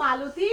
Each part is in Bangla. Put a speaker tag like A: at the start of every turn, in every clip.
A: মালতী,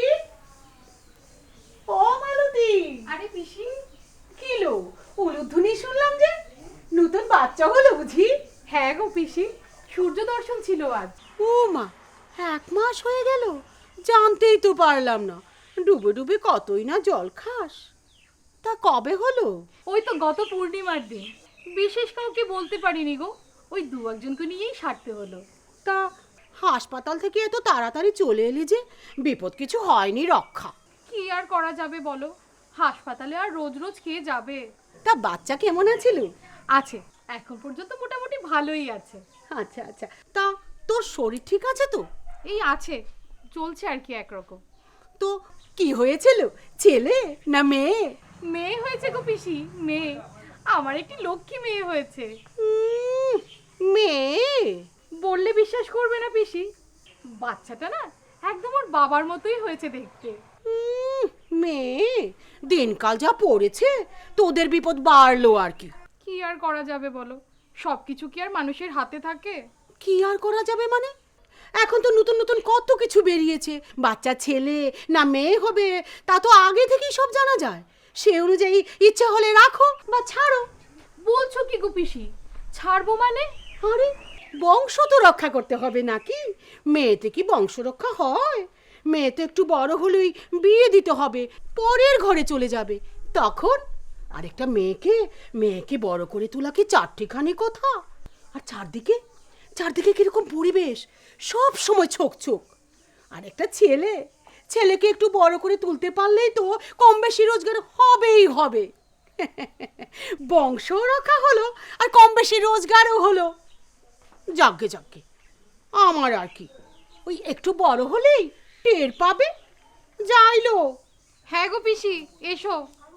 A: ও মালতী।
B: আরে পিসি,
A: কিলো উলুধ্বনি শুনলাম যে, নতুন বাচ্চা হলো বুঝি?
B: হ্যাঁ গো পিসি, সূর্য দর্শন ছিল আজ।
A: ও মা, 1 মাস হয়ে গেল? জানতেই তো পারলাম না। ডুবে ডুবে কতই না জল খাস। তা কবে হলো?
B: ওই তো গত পূর্ণিমার দিন। বিশেষ কাউকে বলতে পারিনি গো, ওই 2-1জনকে নিয়েই সারতে হলো।
A: তা হাসপাতাল থেকে এত তাড়াতাড়ি চলে এলি যে, বিপদ কিছু হয়নি রক্ষা?
B: কি আর করা যাবে বলো, হাসপাতালে আর রোজ রোজ খেয়ে যাবে।
A: তা বাচ্চা কেমন আছিল?
B: আছে, এখন পর্যন্ত মোটামুটি ভালোই আছে।
A: আচ্ছা আচ্ছা, তা তোর শরীর ঠিক আছে তো?
B: এই আছে, চলছে আর কি একরকম।
A: তো কি হয়েছিল, ছেলে না মেয়ে?
B: মেয়ে হয়েছে গো পিসি, মেয়ে। আমার একটি লক্ষ্মী মেয়ে হয়েছে।
A: মেয়ে?
B: বললে বিশ্বাস করবে না পিসি, বাচ্চাটা না একদম ওর বাবার মতোই হয়েছে দেখতে।
A: মেয়ে? দিনকাল যা পড়েছে, তোদের বিপদ বাড়লো আর কি।
B: কি আর করা যাবে বলো, সবকিছু কি আর মানুষের হাতে থাকে?
A: কি আর করা যাবে মানে? এখন তো নতুন নতুন কত কিছু বেরিয়েছে। বাচ্চা ছেলে না মেয়ে হবে তা তো আগে থেকেই সব জানা যায়। সে অনুযায়ী ইচ্ছা হলে রাখো বা ছাড়ো।
B: বলছো কি গো পিসি, ছাড়বো মানে?
A: আরে, বংশ তো রক্ষা করতে হবে নাকি? মেয়েতে কি বংশ রক্ষা হয়? মেয়ে তো একটু বড় হলেই বিয়ে দিতে হবে, পরের ঘরে চলে যাবে। তখন আরেকটা মেয়েকে মেয়েকে বড় করে তোলা কি চারটিখানি কথা? আর চারদিকে চারদিকে কিরকম পরিবেশ, সব সময় ছোক ছোক। আর একটা ছেলে, ছেলেকে একটু বড় করে তুলতে পারলেই তো কম বেশি রোজগার হবেই হবে। বংশ রক্ষা হলো আর কম বেশি রোজগারও হলো। যাগ্গে যাগ্গে, আমার আর কি, ওই একটু বড় হলেই টের পাবে। যাইলো।
B: হ্যাঁ গো পিসি, এসো।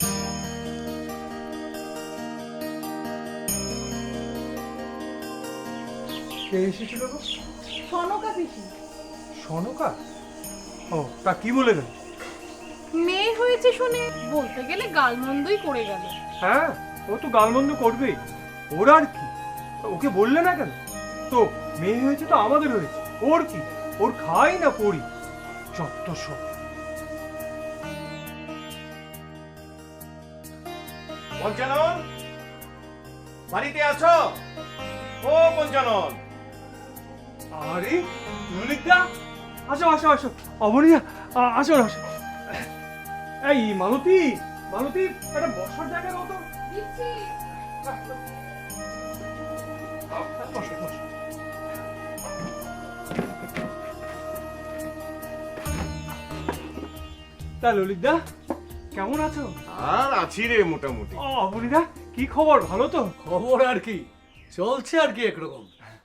C: কে এসেছিল গো?
B: সনকা পিসি।
C: সনকা? ও, তা কি বলে গেল?
B: মেয়ে হয়েছে শুনে বলতে গেলে গালমন্দই করে গেল।
C: হ্যাঁ, ও তো গালমন্দ করবেই। ওর আর কি, ওকে বললে না কেন? তো মেয়ে হয়েছে তো আমাদের হয়েছে, ওর কি? ওর খাই না পড়ি, যত সব।
D: পঞ্চানন, বাড়িতে আছো? ও পঞ্চানন।
C: আরে ললিতদা, আসো আসো আসো। অবনীয়া, আসো আসো। এই মালতী, মালতী, একটা বসার জায়গা দাও তো। বসো, বসো। তা ললিতদা, কেমন আছো?
D: আর আছি রে মোটামুটি।
C: অবনীদা, কি খবর? ভালো তো?
E: খবর আর কি, চলছে আর কি একরকম।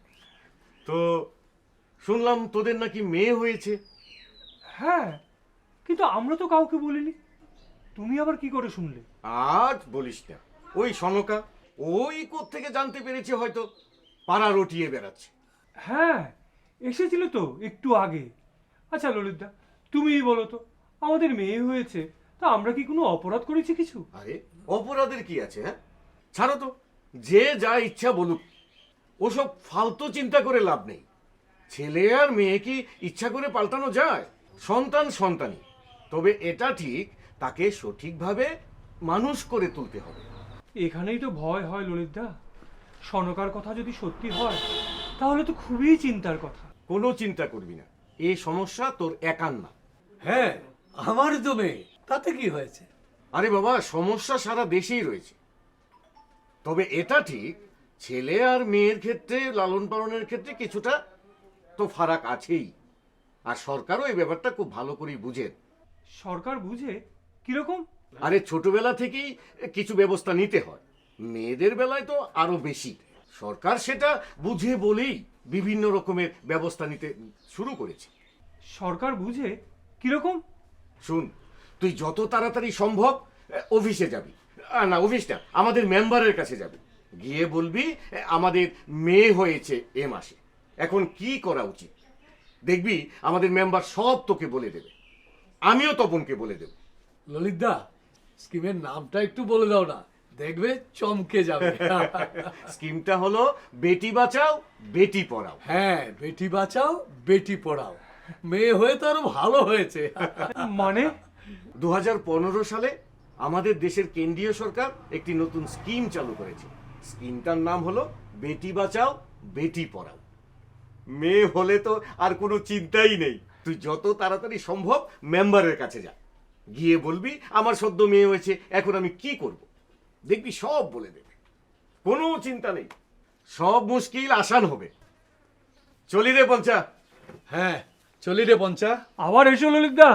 D: তো শুনলাম তোদের নাকি মেয়ে হয়েছে।
C: হ্যাঁ, কিন্তু আমরা তো কাউকে বলিনি। তুমি আবার কি করে শুনলে?
D: আজ বলিস না, ওই সনকা ওই থেকে জানতে পেরেছে, হয়তো পাড়া রটিয়ে বেড়াচ্ছে।
C: হ্যাঁ, এসেছিল তো একটু আগে। আচ্ছা ললিতদা, তুমিই বলো তো, আমাদের মেয়ে হয়েছে, তা আমরা কি কোনো অপরাধ করেছি কিছু?
D: আরে অপরাধের কি আছে? হ্যাঁ, ছাড়ো তো, যে যা ইচ্ছা বলুক। ওসব ফালতু চিন্তা করে লাভ নেই। ছেলে আর মেয়ে কি ইচ্ছা করে পাল্টানো যায়? সন্তান সন্তানই। তবে এটা ঠিক, তাকে সঠিকভাবে মানুষ করে তুলতে হবে।
C: এখানেই তো ভয় হয় ললিতদা। সনকার কথা যদি সত্যি হয়, তাহলে তো খুবই চিন্তার কথা।
D: কোনো চিন্তা করবি না, এই সমস্যা তোর একার না।
E: হ্যাঁ, আমার তো মেয়ে, তাতে কি হয়েছে?
D: আরে বাবা, সমস্যা সারা দেশেই রয়েছে। তবে এটা ঠিক, ছেলে আর মেয়ের ক্ষেত্রে লালন পালনের ক্ষেত্রে কিছুটা তো ফারাক আছেই। আর সরকারও এই ব্যাপারটা খুব ভালো করেই বুঝেন।
C: সরকার বুঝে? কিরকম?
D: আরে ছোটবেলা থেকেই কিছু ব্যবস্থা নিতে হয়, মেয়েদের বেলায় তো আরো বেশি। সরকার সেটা বুঝে বলেই বিভিন্ন রকমের ব্যবস্থা নিতে শুরু করেছে।
C: সরকার বুঝে? কিরকম?
D: শুন, তুই যত তাড়াতাড়ি সম্ভব অফিসে যাবি। না, অফিস না, আমাদের মেম্বারের কাছে যাবি। গিয়ে বলবি আমাদের মেয়ে হয়েছে এ মাসে, এখন কি করা উচিত। দেখবি আমাদের মেম্বার সব তোকে বলে দেবে, আমিও তপনকে বলে দেব।
E: ললিতদা, স্কিমের নামটা একটু বলে দাও না, দেখবে চমকে যাবে।
D: স্কিমটা হলো বেটি বাঁচাও বেটি পড়াও।
E: হ্যাঁ, বেটি বাঁচাও বেটি পড়াও। মেয়ে হয়ে তো আরো ভালো হয়েছে।
C: মানে
D: 2015 সালে আমাদের দেশের কেন্দ্রীয় সরকার একটি নতুন স্কিম চালু করেছে। স্কিমটার নাম হলো বেটি বাঁচাও বেটি পড়াও। মেয়ে হলে তো আর কোনো চিন্তাই নেই। তুই যত তাড়াতাড়ি সম্ভব মেম্বারের কাছে যা, গিয়ে বলবি আমার সদ্য মেয়ে হয়েছে, এখন আমি কি করব। দেখবি সব বলে দেবে, কোনো চিন্তা নেই, সব মুশকিল আসান হবে। চলি রে পঞ্চা।
E: হ্যাঁ, চলি রে পঞ্চা।
C: আবার এসো ললিতদা।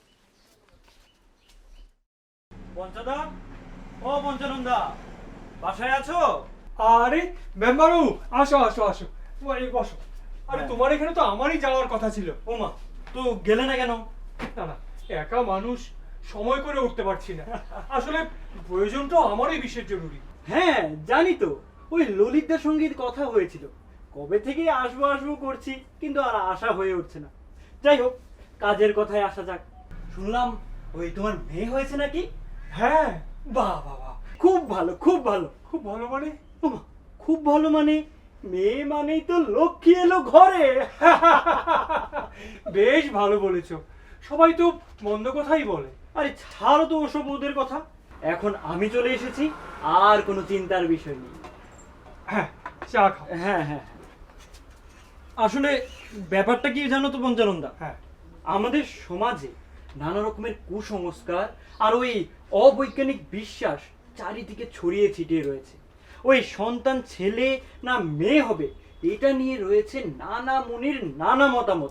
F: পঞ্চদা, ও পঞ্চানন্দা, বাসায় আছো?
C: আরে মেম্বারু, আসো আসো আসো, এই বসো। আরে
F: হ্যাঁ।
C: তোমার এখানে তো আমারই যাওয়ার কথা ছিল।
F: ওমা, তো গেলে না কেন?
C: না না, একা মানুষ, সময় করে উঠতে পারছি না। আসলে প্রয়োজনটা আমারই বিশেষ জরুরি।
F: হ্যাঁ জানি তো, ওই ললিতদার সঙ্গে কথা হয়েছিল, কবে থেকে আসবো আসবো করছি, কিন্তু আর আশা হয়ে উঠছে না। যাই হোক, কাজের কথায় আসা যাক। শুনলাম ওই তোমার মেয়ে হয়েছে নাকি?
C: হ্যাঁ, বাহ বাহ বাহ,
F: খুব ভালো, খুব ভালো।
C: খুব ভালো মানে?
F: ওমা, খুব ভালো মানে? মেয়ে মানেই তো লক্ষ্মী এলো ঘরে।
C: বেশ ভালো বলেছো। সবাই তো মন্দ কথাই বলে।
F: আরে ছাড়ো তো ওসব ওদের কথা, এখন আমি চলে এসেছি, আর কোনো চিন্তার বিষয় নেই।
C: হ্যাঁ, চা খাও।
F: হ্যাঁ হ্যাঁ, আসলে ব্যাপারটা কি জানো তো পঞ্চানন্দা,
C: হ্যাঁ,
F: আমাদের সমাজে নানা রকমের কুসংস্কার আর ওই অবৈজ্ঞানিক বিশ্বাস চারিদিকে ছড়িয়ে ছিটিয়ে রয়েছে। ওই সন্তান ছেলে না মেয়ে হবে, এটা নিয়ে রয়েছে নানা মুনির নানা মতামত।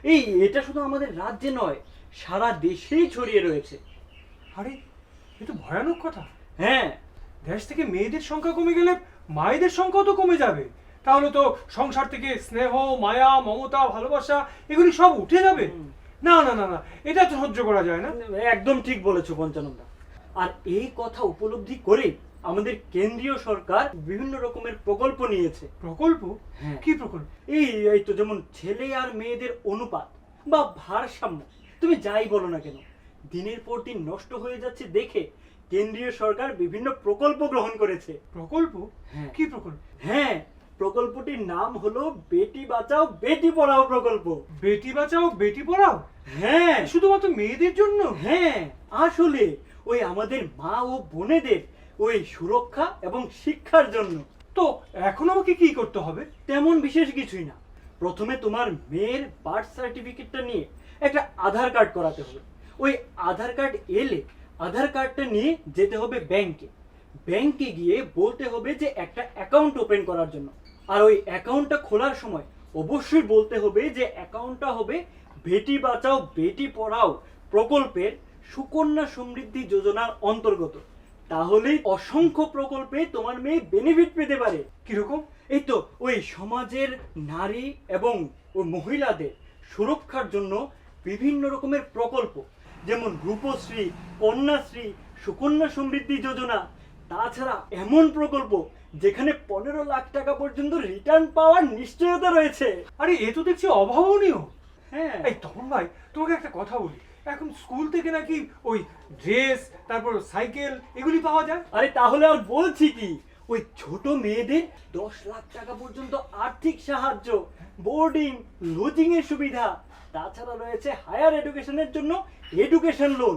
F: এটা শুধু আমাদের রাজ্যে নয়, সারা দেশেই ছড়িয়ে রয়েছে।
C: আরে এ তো ভয়ানক কথা।
F: হ্যাঁ,
C: দেশ থেকে মেয়েদের সংখ্যা কমে গেলে মায়েদের সংখ্যাও তো কমে যাবে। তাহলে তো সংসার থেকে স্নেহ, মায়া, মমতা, ভালোবাসা এগুলি সব উঠে যাবে। না না না না, এটা তো সহ্য করা যায় না।
F: একদম ঠিক বলেছো পঞ্চানন্দা। আর এই কথা উপলব্ধি করে আমাদের কেন্দ্রীয় সরকার বিভিন্ন রকমের প্রকল্প নিয়েছে।
C: প্রকল্প?
F: হ্যাঁ।
C: কি প্রকল্প?
F: এই তো যেমন ছেলে আর মেয়েদের অনুপাত বা ভারসাম্য, তুমি যাই বলো না কেন, দিনের পর দিন নষ্ট হয়ে যাচ্ছে দেখে কেন্দ্রীয় সরকার বিভিন্ন প্রকল্প গ্রহণ করেছে।
C: প্রকল্প?
F: হ্যাঁ।
C: কি প্রকল্প?
F: হ্যাঁ, প্রকল্পটির নাম হলো বেটি বাঁচাও বেটি পড়াও প্রকল্প।
C: বেটি বাঁচাও বেটি পড়াও?
F: হ্যাঁ
C: শুধুমাত্র মেয়েদের জন্য?
F: হ্যাঁ, আসলে ওই আমাদের মা ও বোনেদের ওই সুরক্ষা এবং শিক্ষার জন্য।
C: তো এখন আমাকে কি করতে হবে?
F: তেমন বিশেষ কিছুই না, প্রথমে তোমার মেয়ের বার্থ সার্টিফিকেটটা নিয়ে একটা আধার কার্ড করাতে হবে। ওই আধার কার্ড এলে আধার কার্ডটা নিয়ে যেতে হবে ব্যাংকে। ব্যাংকে গিয়ে বলতে হবে যে একটা অ্যাকাউন্ট ওপেন করার জন্য। আর ওই অ্যাকাউন্টটা খোলার সময় অবশ্যই বলতে হবে যে অ্যাকাউন্টটা হবে বেটি বাঁচাও বেটি পড়াও প্রকল্পের সুকন্যা সমৃদ্ধি যোজনার অন্তর্গত। তাহলেই অসংখ্য প্রকল্পে তোমার মেয়ে বেনিফিট পেতে পারে।
C: কিরকম?
F: এই তো ওই সমাজের নারী এবং ওই মহিলাদের সুরক্ষার জন্য বিভিন্ন রকমের প্রকল্প, যেমন রূপশ্রী, কন্যাশ্রী, সুকন্যা সমৃদ্ধি যোজনা। তাছাড়া এমন প্রকল্প যেখানে 15 লাখ টাকা পর্যন্ত রিটার্ন পাওয়ার নিশ্চয়তা রয়েছে।
C: আরে এ তো দেখছি অভাবনীয়।
F: হ্যাঁ,
C: এই তপন ভাই, তোমাকে একটা কথা বলি, এখন স্কুল থেকে নাকি ওই ড্রেস, তারপর সাইকেল এগুলি পাওয়া যায়।
F: আরে তাহলে আর বলছি কি, ওই ছোট মেয়েদের 10 লাখ টাকা পর্যন্ত আর্থিক সাহায্য, বোর্ডিং লজিং এর সুবিধা। তাছাড়া রয়েছে হায়ার এডুকেশনের জন্য এডুকেশন লোন,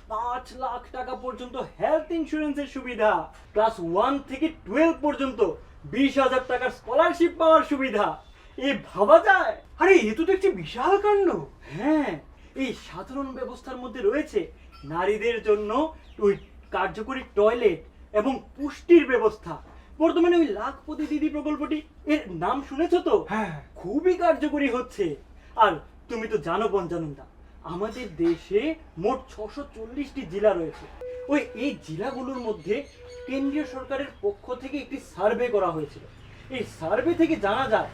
F: 5 লাখ টাকা পর্যন্ত হেলথ ইন্স্যুরেন্সের সুবিধা, ক্লাস 1 থেকে 12 পর্যন্ত 20,000 টাকার স্কলারশিপ পাওয়ার সুবিধা। ভাবা যায়?
C: আরে এ তো দেখছি বিশাল কাণ্ড।
F: হ্যাঁ, এই সাধারণ ব্যবস্থার মধ্যে রয়েছে নারীদের জন্য ওই কার্যকরী টয়লেট এবং পুষ্টির ব্যবস্থা। বর্তমানে ওই লাখপতি দিদি প্রকল্পটি, এর নাম শুনেছো তো?
C: হ্যাঁ।
F: খুবই কার্যকরী হচ্ছে। আর তুমি তো জানো পঞ্চানন্দা, আমাদের দেশে মোট 640টি জেলা রয়েছে। এই জেলাগুলোর মধ্যে কেন্দ্রীয় সরকারের পক্ষ থেকে একটি সার্ভে করা হয়েছিল। এই সার্ভে থেকে জানা যায়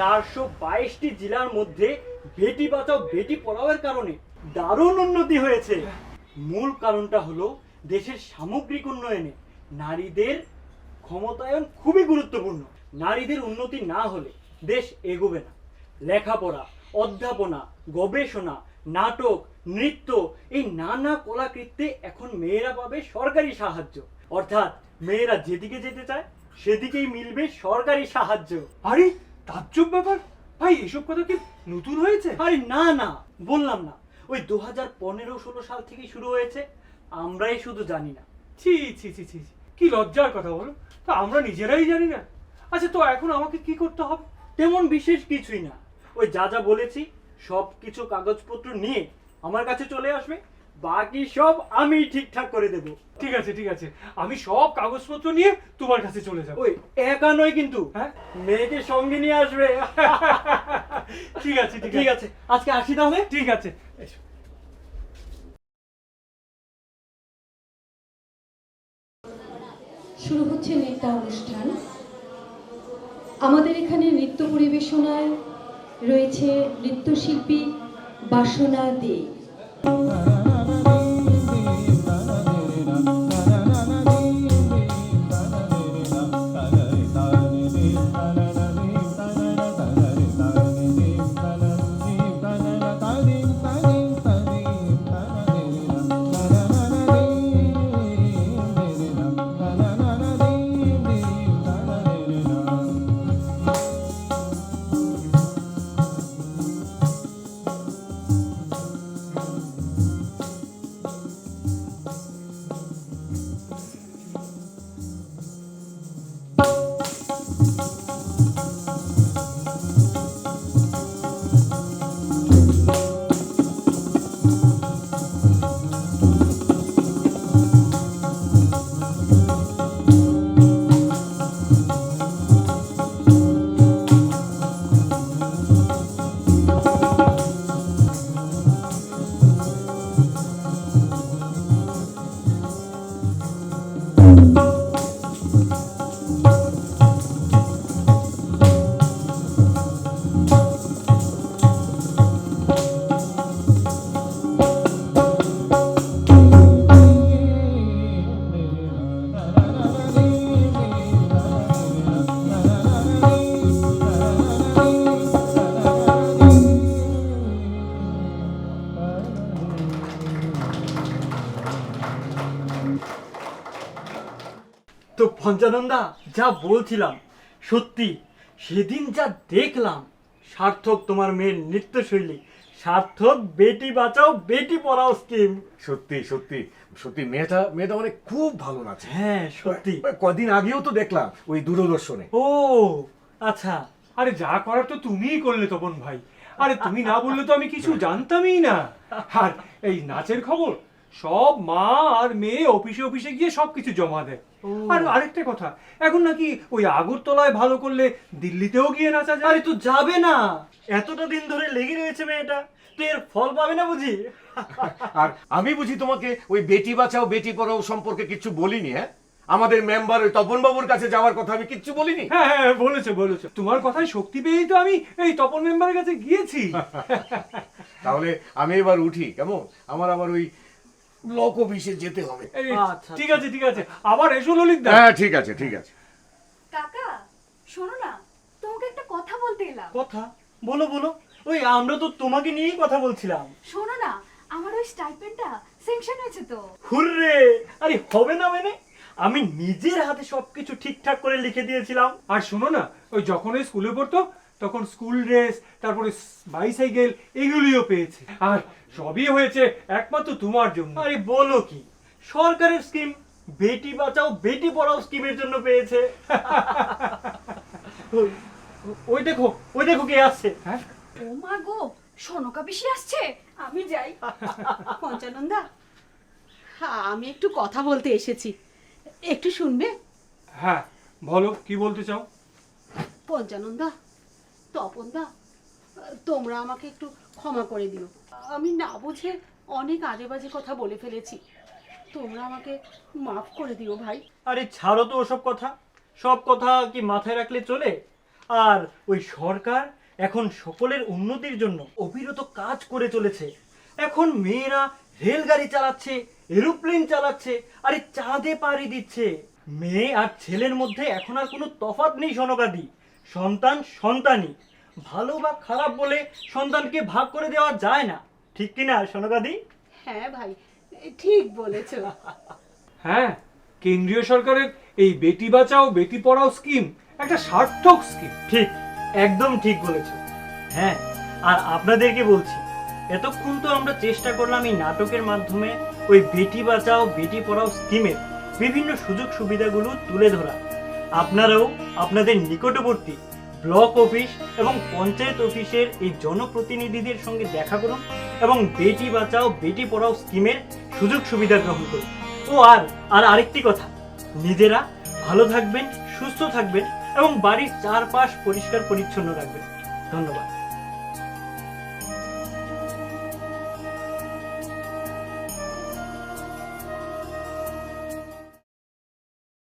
F: 422টি জেলার মধ্যে বেটি বাঁচাও বেটি পড়াওয়ের কারণে দারুণ উন্নতি হয়েছে। মূল কারণটা হলো দেশের সামগ্রিক উন্নয়নে নারীদের ক্ষমতায়ন খুবই গুরুত্বপূর্ণ। নারীদের উন্নতি না হলে দেশ এগোবে না। লেখাপড়া, অধ্যাপনা, গবেষণা, নাটক, নৃত্য, এই নানা কলাকৃত্যে এখন মেয়েরা পাবে সরকারি সাহায্য। অর্থাৎ মেয়েরা যেদিকে যেতে চায় সেদিকেই মিলবে সরকারি সাহায্য।
C: আরে তাজ্জব ব্যাপার, ভাই এসব কথা কি নতুন হয়েছে?
F: আরে না না, বললাম না, ওই 2015-16 সাল থেকেই শুরু হয়েছে, আমরাই শুধু জানি না।
C: ছি ছি ছি ছি ছি, কি লজ্জার কথা বলো, তা আমরা নিজেরাই জানি না। আচ্ছা তো এখন আমাকে কি করতে হবে?
F: তেমন বিশেষ কিছুই না, ওই যা যা বলেছি সব কিছু কাগজপত্র নিয়ে আমার কাছে চলে আসবে, বাকি সব আমি ঠিকঠাক করে দেব।
C: ঠিক আছে ঠিক আছে, আমি সব কাগজপত্র নিয়ে তোমার কাছে চলে যাবো।
F: ওই একা নয় কিন্তু,
C: হ্যাঁ
F: মেয়েকে সঙ্গে নিয়ে আসবে।
C: ঠিক আছে ঠিক
F: ঠিক
C: আছে
F: আছে, আজকে আসি তাহলে।
C: ঠিক আছে। এসো।
G: শুরু হচ্ছে নৃত্য অনুষ্ঠান। আমাদের এখানে নৃত্য পরিবেশনায় রয়েছে নৃত্যশিল্পী বাসনা দে।
F: তো পঞ্চানন্দা, যা বলছিলাম সত্যি, সেদিন যা দেখলাম, সার্থক তোমার মেয়ের নৃত্যশৈলী, সার্থক বেটি বাঁচাও বেটি পড়াও স্কিম।
D: সত্যি সত্যি সত্যি, মেয়েটা মানে খুব ভালো নাচে।
F: হ্যাঁ সত্যি।
D: কদিন আগেও তো দেখলাম ওই দূরদর্শনে।
F: ও আচ্ছা।
C: আরে যা করার তো তুমিই করলে তপন ভাই, আরে তুমি না বললে তো আমি কিছু জানতামই না। আর এই নাচের খবর সব মা আর মেয়ে অফিসে অফিসে গিয়ে সবকিছু জমা দেয়। আর আরেকটা কথা, এখন নাকি ওই আগরতলায় ভালো করলে দিল্লিতেও গিয়ে নাচা যায়।
F: আরে তুই যাবে না, এতটা দিন ধরে লেগে রয়েছে মেয়েটা, তুই এর ফল পাবে না বুঝি?
D: আর আমি বুঝি তোমাকে ওই বেটি বাঁচাও বেটি পড়াও সম্পর্কে কিছু বলিনি? হ্যাঁ, আমাদের মেম্বার ওই তপন বাবুর কাছে যাওয়ার কথা আমি কিচ্ছু বলিনি?
C: হ্যাঁ হ্যাঁ বলেছো বলেছো, তোমার কথায় শক্তি পেয়েই তো আমি এই তপন মেম্বারের কাছে গিয়েছি।
D: তাহলে আমি এবার উঠি, কেমন? আমার আবার ওই ব্লক অফিসে যেতে হবে।
C: এই,
F: আচ্ছা,
C: ঠিক আছে ঠিক আছে, আবার এসো ললিত দা।
D: হ্যাঁ ঠিক আছে ঠিক আছে।
H: কাকা শোনো না, তোমাকে একটা কথা বলতে এলাম।
F: কথা বলো বলো, ওই আমরা তো তোমাকে নিয়েই কথা বলছিলাম।
H: শোনো না, আমার ওই স্টাইপেন্ডটা স্যাংশন হয়েছে তো।
F: হুররে! আরে হবে না মানে, আমি নিজের হাতে সবকিছু ঠিকঠাক করে লিখে দিয়েছিলাম।
C: আর শোনো না, ওই যখন ওই স্কুলে পড়তো তখন স্কুল ড্রেস, তারপরে বাইসাইকেল, এগুলিও পেয়েছে। আর সবই হয়েছে একমাত্র তোমার জন্য।
F: আরে বলো কি, সরকারের স্কিম বেটি বাঁচাও বেটি পড়াও স্কিমের জন্য পেয়েছে। ওই দেখো, ওই দেখো কে আসছে।
C: হ্যাঁ
H: ও মা গো, সনকা পিসি আসছে, আমি যাই।
A: পঞ্চানন্দা, হ্যাঁ আমি একটু কথা বলতে এসেছি, একটু শুনবে?
C: হ্যাঁ বলো, কি বলতে চাও?
A: পঞ্চানন্দা, তপনদা, তোমরা আমাকে একটু ক্ষমা করে দিও, আমি না বুঝে অনেক আজে বাজে কথা বলে ফেলেছি, তোমরা আমাকে মাফ করে দিও ভাই।
F: আরে ছাড়ো তো ওসব কথা, সব কথা কি মাথায় রাখলে চলে? আর ওই সরকার এখন সকলের উন্নতির জন্য অবিরত কাজ করে চলেছে। এখন মেয়েরা রেলগাড়ি চালাচ্ছে, এরোপ্লেন চালাচ্ছে, আরে চাঁদে পাড়ি দিচ্ছে। মেয়ে আর ছেলের মধ্যে এখন আর কোনো তফাৎ নেই সনকাদি, সন্তান সন্তানই। ভালো বা খারাপ বলে সন্তানকে ভাগ করে দেওয়া যায় না, ঠিক কিনা সনকাদি?
A: হ্যাঁ ভাই, ঠিক বলেছো।
C: হ্যাঁ, কেন্দ্রীয় সরকারের এই বেটি বাঁচাও বেটি পড়াও স্কিম একটা সার্থক স্কিম।
F: ঠিক, একদম ঠিক বলেছ। হ্যাঁ, আর আপনাদেরকে বলছি, এতক্ষণ তো আমরা চেষ্টা করলাম এই নাটকের মাধ্যমে ওই বেটি বাঁচাও বেটি পড়াও স্কিমের বিভিন্ন সুযোগ সুবিধাগুলো তুলে ধরা। আপনারাও আপনাদের নিকটবর্তী ব্লক অফিস এবং পঞ্চায়েত অফিসের এই জনপ্রতিনিধিদের সঙ্গে দেখা করুন এবং বেটি বাঁচাও বেটি পড়াও স্কিমের সুযোগ সুবিধা গ্রহণ করুন। ও আর আরেকটি কথা, নিজেরা ভালো থাকবেন, সুস্থ থাকবেন এবং বাড়ির চারপাশ পরিষ্কার পরিচ্ছন্ন রাখবেন। ধন্যবাদ।